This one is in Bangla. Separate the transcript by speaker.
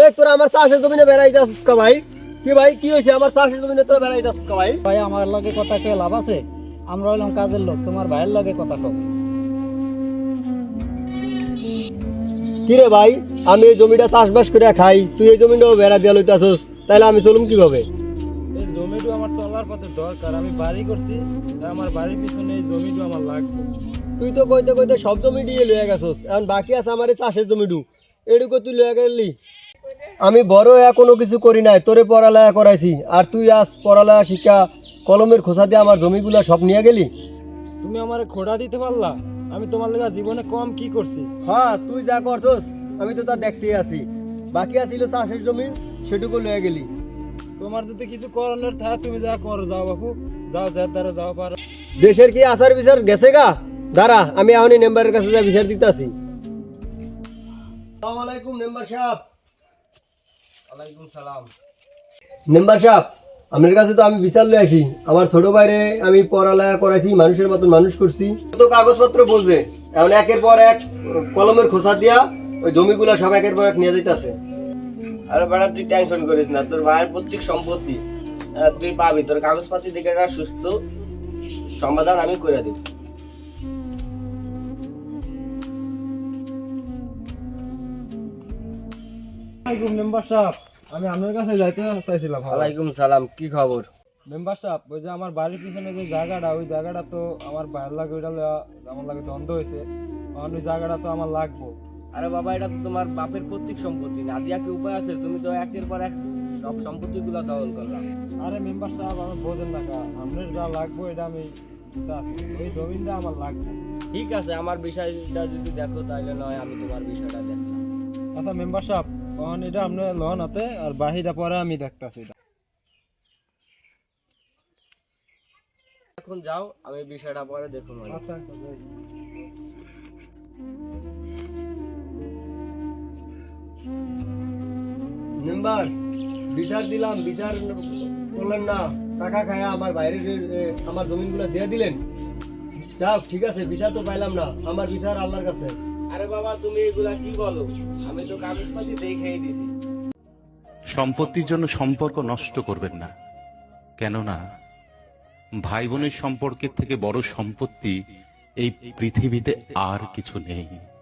Speaker 1: তোরা আমার চাষের জমিনে বেড়াইতে আসছিস কা ভাই? কি ভাই কি হয়েছে? আমার চাষের জমিনে তোরা বেড়াইতে আসছিস কা ভাই?
Speaker 2: ভাই আমার লগে কথা কে লাভ আছে? আমরা হইলাম কাজের লোক, তোমার ভাইয়ের লগে কথা কও।
Speaker 1: কি রে ভাই, আমি এই জমিটা চাষবাস করে খাই, তুই এই জমিটাও বেড়া দিয়া লইতে আসছিস, তাইলে আমি চলুম কিভাবে?
Speaker 3: এই জমিটা আমার চলার পথে দরকার, আমি বাড়ি করছি, তাই আমার বাড়ির পিছনে এই জমিটা আমার লাগবে।
Speaker 1: তুই তো কইতে কইতে সব জমি দিয়ে লইয়া গেছস, এখন বাকি আছে আমার এই চাষের জমিটু, এটুকু তুই লইয়া গেলি। আমি বড় হয়ে কোনো কিছু করি নাই, তোরে পড়ালেখা করাইছি, আর তুই আজ পড়ালেখা শিক্ষা কলমের খোসা দিয়ে আমার জমিগুলা সব নিয়ে গেলি।
Speaker 3: তুমি আমার খোড়া দিতে পারলা? আমি তোমার লেগে জীবনে কম কি করছি?
Speaker 1: হ্যাঁ, তুই যা করছস আমি তো তা দেখতেই আছি। বাকি আছিল চাষের জমি, সেটুকু লইয়া গেলি।
Speaker 3: তোমার যদি কিছু করানোর থাকে তুমি যা করো, যাও বাপু, যাও, যার দ্বারা যাও পারো।
Speaker 1: দেশের কি আচার বিচার গেছে গা? দাঁড়া, আমি এখনই মেম্বারের কাছে যা বিচার দিতে আসি। আসসালামু আলাইকুম মেম্বার সাহেব।
Speaker 3: ওয়ালাইকুম সালাম।
Speaker 1: মেম্বার সাহেব, আপনার কাছে তো আমি বিচার লই আইছি। আমার ছোট ভাইরে আমি পড়ালেখা করাইছি, মানুষের মতন মানুষ করছি, তো কাগজপত্র বলছে, এখন একের পর এক কলমের খোসা দিয়া ওই জমিগুলা সব একের পর এক নিয়ে যাইতাছে।
Speaker 4: আরে বেটা তুই টেনশন করিস না, তোর ভাইয়ের প্রত্যেক সম্পত্তি তুই পাবি, তোর কাগজপাতি থেকে একটা সুস্থ সমাধান আমি করে দিব।
Speaker 3: ওয়ালাইকুম মেম্বার সাহেব, আমি আপনার কাছে যাইতে চাইছিলাম।
Speaker 4: ওয়ালাইকুম সালাম, কি খবর?
Speaker 3: মেম্বার সাহেব, ওই যে আমার বাড়ির পিছনে যে জায়গাটা, ওই জায়গাটা তো আমার ভাইয়ের লাগে, ওইটা আমার লাগে দ্বন্দ্ব হয়েছে, কারণ ওই জায়গাটা তো আমার লাগবো।
Speaker 4: আরে বাবা, এটা তো তোমার বাপের প্রত্যেক সম্পত্তি, না দিয়া কি উপায় আছে? তুমি তো একের পর এক সব সম্পত্তি গুলা দখল করলাম।
Speaker 3: আরে মেম্বার সাহেব, আমার বোঝেন না কা, আপনার যা লাগবো এটা আমি দিতে আছি, ওই জমিনটা আমার লাগবে।
Speaker 4: ঠিক আছে, আমার বিষয়টা যদি দেখো তাহলে নয় আমি তোমার বিষয়টা দেখলাম।
Speaker 3: আচ্ছা মেম্বার সাহেব, কারণ এটা আপনার লন হাতে, আর বাহিটা পরে আমি দেখতেছি।
Speaker 4: এখন যাও, আমি বিষয়টা পরে দেখুন।
Speaker 3: আচ্ছা,
Speaker 1: মেম্বার, বিচার দিলাম, বিচার করলেন না, টাকা খায়া আমার বাইরে আমার জমিনগুলো দিয়ে দিলেন। যাও, ঠিক আছে, বিচার তো পাইলাম না, আমার বিচার আল্লাহর কাছে।
Speaker 4: আরে বাবা, তুমি এগুলা কি বলো? আমি তো কাগজপাতি দেখেই দিছি।
Speaker 5: সম্পত্তির জন্য সম্পর্ক নষ্ট করবেন না, কেননা ভাই বোনের সম্পর্কের থেকে বড় সম্পত্তি এই পৃথিবীতে আর কিছু নেই।